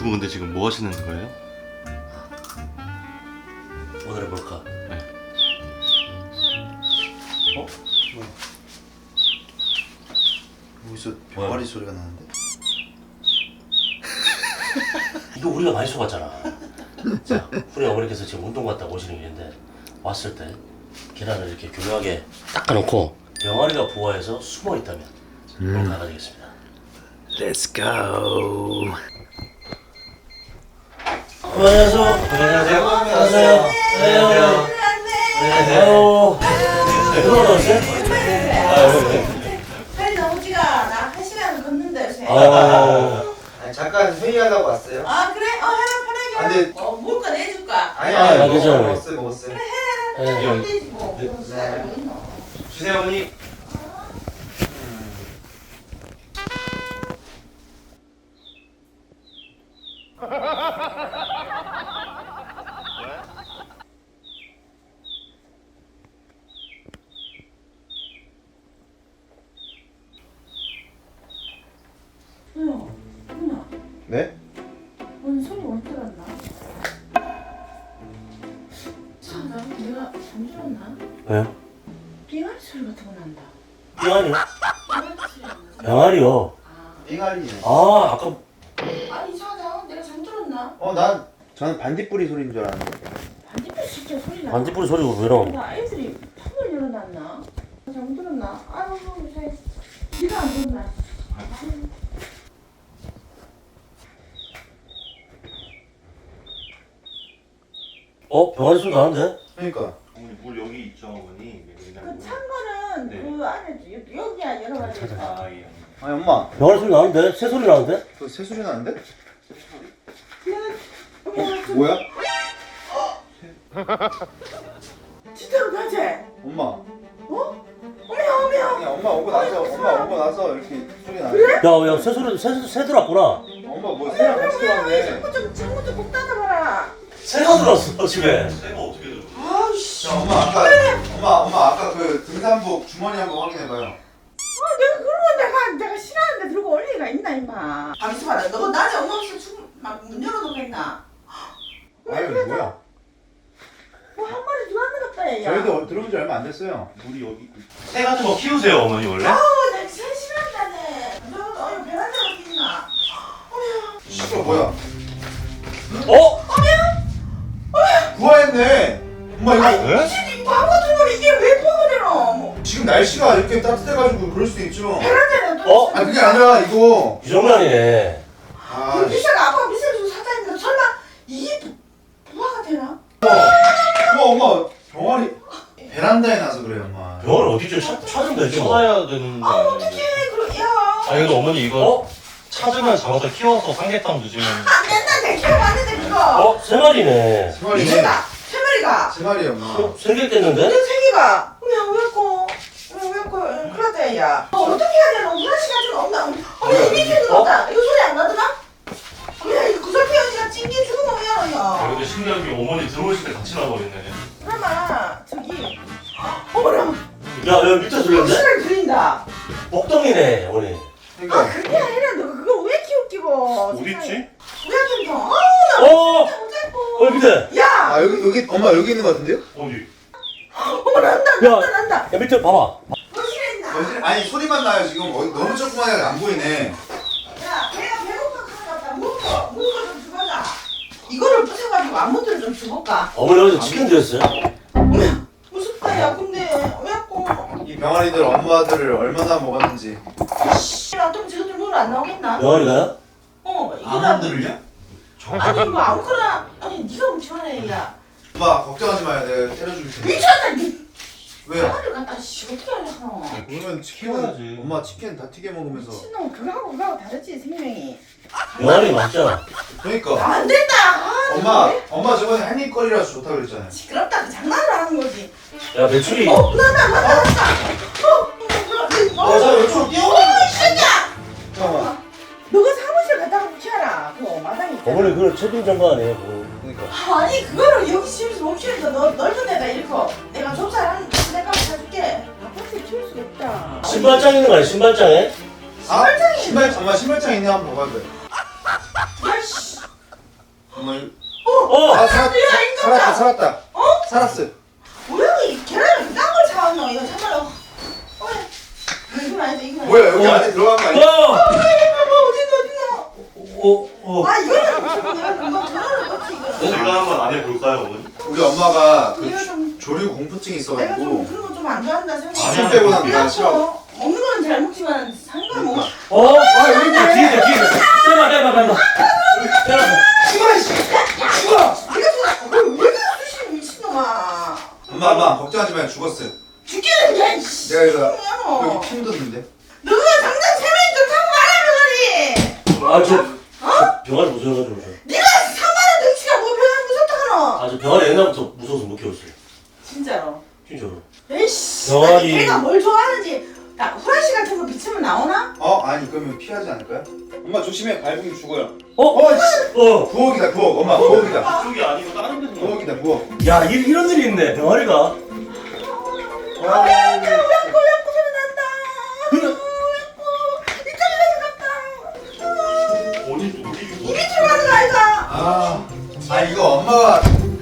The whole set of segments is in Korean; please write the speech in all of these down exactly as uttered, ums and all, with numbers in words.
두 분 근데 지금 뭐 하시는 거예요? 오늘은 뭘까? 네. 어? 뭐야? 어디서 병아리 소리가 나는데? 이거 우리가 많이 속았잖아. 자, 우리 어머니께서 지금 운동 갔다 오시는 길인데 왔을 때 계란을 이렇게 교묘하게 닦아놓고 병아리가 부화해서 숨어 있다면 그럼 나가되겠습니다. Let's go. 안녕하세요. 안녕하세요. 안녕하세요. 안녕하세요. 안녕하세요. 들어오셨어요? 팔이 너무 찌가. 나 한 시간 걷는데 요새. 아, 아니, 잠깐 회의하려고 왔어요. 아 그래? 어 해라 편하게. 아, 근데- 어 먹을까 내줄까? 아니, 아, 아니, 괜찮아요. 먹었어요, 먹었어요. 네. 안 되지 뭐. 그런 시간이 뭐 있노? 주세요, 어머니. 어, 누나, 네? 오늘 소리 못 들었나? 참나, 내가 잠들었나? 왜요? 빙하리 소리 같은 거 난다. 병아리요? 빙하리 소리 안 나지? 병아리요. 빙아리네. 아, 아까 아 이상하다. 내가 잠들었나? 어, 난 저는 반딧불이 소리인 줄 알았는데. 반딧불 진짜 소리 나. 반딧불이 소리가 왜 나오는 나 아이들이 팝을 열어놨나? 잠들었나? 아유 요새 네가 안 들었나? 어? 병아리 소리 나는데? 그러니까. 어머니 물 여기 있죠 어머니. 그 찬 거는 네. 그 안에 여- 여기야 여러 가지 있어. 아 예. 아니, 엄마. 병아리 소리 나는데? 새 소리 나는데? 그 새 소리 나는데? 어, 뭐야? 진짜로 가지? 엄마. 어? 어메야 어메야. 아니, 엄마 오고 나서, 엄마 오고 나서 이렇게 소리 나는데. 야, 야, 새 소리, 새, 새 들어왔구나. 엄마 뭐 새랑 같이 들어왔네. 창문 좀 창문 좀꼭 닫아봐라. 새가 들어왔어, 집에. 새가 어떻게 들어? 아우씨. 자, 엄마 아까, 엄마, 엄마 아까 그 등산복 주머니 한번 확인해봐요. 아 내가 그런 거 내가 내가 싫어하는데 들고 올 리가 있나 임마. 방수 봐라. 너 낮에 엄마 없이 막문 열어놓고 했나? 아유, 뭐야? 뭐한 마리 들어왔는 것 같다 얘야. 저희도 들어온 지 얼마 안 됐어요. 물이 여기. 새 같은 거 키우세요 어머니 원래? 아우 내가 제일 싫어한다네. 너 어이 베란다 어디 있나? 어메야. 시끄러 뭐야? 어? 부화했네. 엄마 이거 네? 이 바보 같은 놈 이게 왜 포근해노? 뭐 지금 날씨가 이렇게 따뜻해가지고 그럴 수도 있죠. 베란다에 어? 아 그게 아니라 이거. 이 정도 아니네. 아, 그 비싸가 아빠가 비싸게 주고 사다 했는데 설마 이게 부- 부화가 되나? 엄마 엄마 병아리 베란다에 나서 그래 엄마. 병아리 어디 좀 찾- 찾으면 되지 뭐. 찾아야 되는 거 아 아니에요? 어떡해 그럼 야. 아 근데 어머니 이거 어? 찾으면 잡아서 키워서 삼계탕 드시면. 안 된다 내 키워봤는데 그거. 어? 세 마리네. 세 마리네. 미쳤다. 세 마리가. 세 마리 엄마. 어? 생겼겠는데? 근데 세 개가. 그냥 왜고 왜고 큰일 났다 야. 어, 어떻게 해야 되나? 브라시 같은 거 없나? 어머 이미 피는 거 없다. 이거 소리 안 나더나? 어머야 이거 구설피 언니가 찡기 죽으면 왜 아, 하노야? 근데 신기한 게 어머니 들어오실 때 같이 나버리네. 그나마 저기 어머나 야, 야, 밑에 들렸는데? 확실하게 들린다. 먹덩이네, 어머니. 아 그러니까 그게 아니라 너 그걸 왜 키우기고? 어디 있지? 우리 아줌마 아우 나 어! 진짜 못살고. 어, 밑에. 야 아 여기 여기 엄마 여기 있는 거 같은데요? 어디? 어머 난다 야. 난다 난다. 야, 밑에 봐봐. 무엇이 있나? 여기- 아니 소리만 나요 지금. 어, 너무 조그만해 안 보이네. 야 배가 배고파 가져갔다. 먹어 먹어 좀 주거라. 이거를 부숴가지고 안무들을 좀 주볼까? 어머니 어디서 치킨 드렸어요? 무섭다 야 근데 왜고? 이 병아리들 엄마들을 얼마나 먹었는지. 나좀 지금들 눈안 나오겠나? 병아리가요? 어 이거다. 아몬드를요? 아니 뭐 아무거나 아니 네가 훔쳐내 야. 엄마 걱정하지 마요. 내가 때려줄 테니까. 미쳤다 니. 왜요? 병아리를 갖다 씨 어떻게 하려고? 그러면 치킨은 키워야지. 엄마 치킨 다 튀겨 먹으면서. 미친놈 그거하고 그거하고 다르지 생명이. 병아리 맞잖아. 그러니까 안 된다. 아, 엄마 왜? 엄마 저번에 한입거리라서 좋다 그랬잖아요. 시끄럽다 그 장난을 하는 거지. 야, 매출이. 어 나나 나나 나나. 어. 어. 야, 자 이쪽으로 뛰어. 어, 이 새끼야! 잠깐만. 너가 사무실 갔다가 붙여라. 그 마당에 있잖아. 어머니, 그걸 채빈 장관 아니에요, 그거. 그러니까. 아니 그거를 여기 집에서 못 키우니까 너 넓은 데다 이렇게 내가 좁쌀한 내가 사줄게. 아파트에 키울 수가 없다. 신발장 있는 거 아니야, 신발장에? 아 신발 엄마 신발장 있네 한번 봐봐요. 야씨 어머 이- 어! 아 살았, 야, 인간아. 살았다 살았다 어? 살았어. 뭐야 이 계란을 이딴 걸 사왔노 이거 참말로. 어, 이건 아니지 이건. 뭐야 여기 안에 들어간 거 아니야? 어! 어딨노 어딨노. 어! 어! 아 이거는 내가 금방 계란을 넣지 이거. 제가 한번 안 해볼까요 어머니? 우리 엄마가 그 내가 조- 좀 조류 공포증이 내가 좀 있어가지고 그런 거 좀 안 좋아한다 생각. 치킨 빼고는 나 싫어. 먹는 거는 잘 먹지만 상관 뭐. 어? 아, 여기 있네. 뒤에 있네, 뒤에 있네. 빼봐, 빼봐, 빼봐. 빼봐. 죽어 씨. 죽어. 이거 왜 이렇게 수시 미친놈아. 엄마 엄마 걱정하지 마요 죽었어요. 죽기는 야 이씨. 내가 이거 뭐야. 여기 핀 뒀는데. 너가 당장 세명이 좀 타고 말아 병아리. 아, 저, 저 병아리 무서워가지고. 저. 네가 삼만 원 덩치가 뭐 병아리 무섭다 하노. 아, 저 병아리 옛날부터 무서워서 못 키웠어요. 진짜로. 진짜로. 에이씨. 병아리. 아니, 걔가 뭘 좋아하는지. 나 후라시 같은 거 비치면 나오나? 어 아니 그러면 피하지 않을까요? 엄마 조심해 밟으면 죽어요. 어? 어 씨. 어. 부엌이다 부엌 엄마 부엌이다. 그쪽이 아니고 다른 데서 나와. 부엌이다 부엌. 야, 이, 이런 일이 있네, 병아리가. 와. 야야야야 야구 소리 난다. 야구 이쪽에 갔다. 어디 어디 이 밑으로 가는 거 아이가? 아. 아 이거 엄마가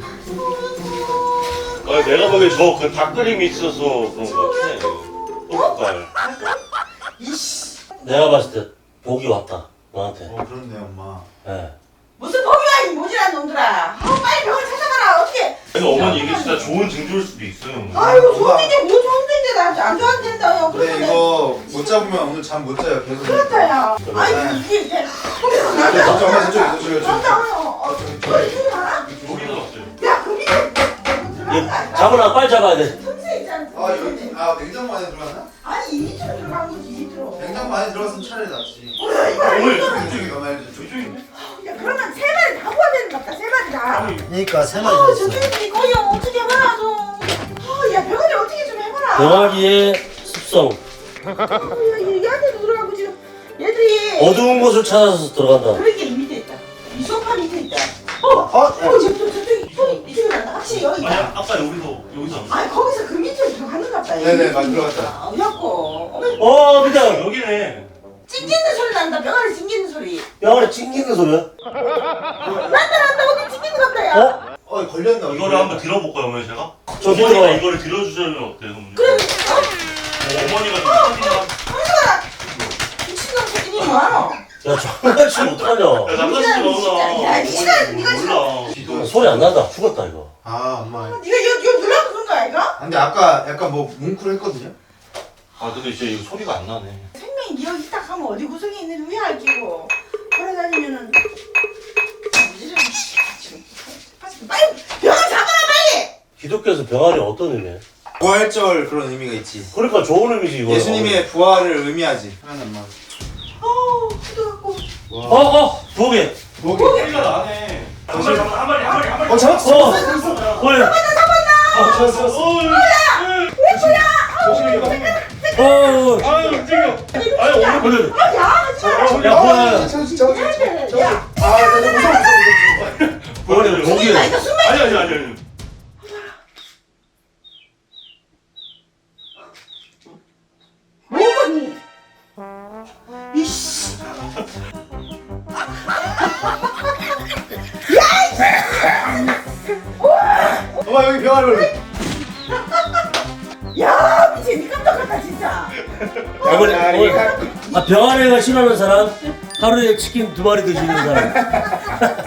아, 내가 보기엔 저그 닭그림이 있어서 그런 거 같아. 떡갈. 이씨. 내가 봤을 때 복이 왔다, 너한테. 어 그렇네 엄마. 예. 무슨 법이야 이 모질한 놈들아. 아 빨리 병원 찾아가라 어떻게. 그래서 어머니 이게 진짜 좋은 증조일 수도 있어요. 어머니. 아이고 좋은데 뭐 좋은데 나안 좋아한댄다요. 근데 이거 못 잡으면 오늘 잠 못 자요 계속. 그렇다야. 아이 이게 이게. 난다. 저쪽 엄마 저쪽 저쪽 저쪽. 난다. 어, 저 이쪽에 가나? 여기서 왔어요. 야, 그 밑에 얘 잡으라, 빨리 잡아야 돼. 틈새 있잖아. 아 여기 아 냉장고 안에 들어갔나? 아니 이 밑으로 들어간 거지 이 밑으로. 냉장고 안에 들어갔으면 차라리 낫지. 뭐야 이거 어머니 이거. 저쪽이 너무 알지 저쪽인데? 야 그러면 세 마리 다 구워야 되는 것 같다 세 마리 다. 아니 그러니까 세 아 마리 됐어. 저쪽이 거의 어떻게 해봐라 좀. 아야 병아리 어떻게 좀 해봐라. 병아리의 습성. 야, 이 안에도 들어가고 지금 얘들이. 어두운 곳을 찾아서 들어간다. 그러게 이 밑에 있다. 이 소파 밑에 있다. 어, 어, 지금 또 저쪽이 또 이쪽에 간다. 확실히 여기 아니 있다. 아까 여기서 여기서 안 아니 거기서 그 밑으로 들어가는 것 같다. 네네, 맞 들어갔다. 아, 어렵고. 어머, 어, 근데 여기네. 찡기는 소리 난다. 병아리 찡기는 소리. 병아리 찡기는 소리야? 난다 난다 어디 찡기는 것 같다 야. 어? 어 걸렸나? 이거를 한번 들어볼까요 어머니 제가? 저 어머니가 들어봐. 이거를 들어주시면 어때요 어머니? 그래. 어? 어, 어머니가 좀 사진이나 황정아. 미친놈 새끼니 뭐하노? 야, 장난치면 어떡하냐. 야 장난치지 마 진짜. 야, 이 시간 어머니 네가 몰라. 기도. 소리 안 난다. 죽었다, 이거. 아 엄마. 네가 이거 이거 눌러 그런 거 아이가? 근데 아까 약간 뭐 뭉클했거든요. 아 근데 이제 이거 소리가 안 나네. 생명이 기억 이딱 하면 어디 구석에 있는지 왜 알기고 돌아다니면은 빨리 병원 잡아라 빨리. 기독교에서 병아리 어떤 의미야? 부활절 그런 의미가 있지. 그러니까 좋은 의미지, 이거. 예수님의 부활을 의미하지. 하나님 엄마. 어우 기도하고. 어, 어, 부엌에. 목이. 소리가 나네. 한 마리 한 마리 한 마리 한 마리. 어 잡았어. 어, 어, 야. 어 잡았어. 잡았어. 어이. 조심히 봐. 어, 어, 아유 움직여. 아유 어머니. 그래. 아야 하지 마. 야, 뭐야. 저기 저기 저기. 야. 아, 나 무서워 무서워 무서워. 부엌에, 거기에. 나 이거 숨만. 아니 아니 아니 아니. 뭐니? 이씨. 엄마 여기 병아리. 야 미친 깜짝같다 진짜. 어머니, 어머니. 아, 병아리가 싫어하는 사람? 하루에 치킨 두 마리 드시는 사람?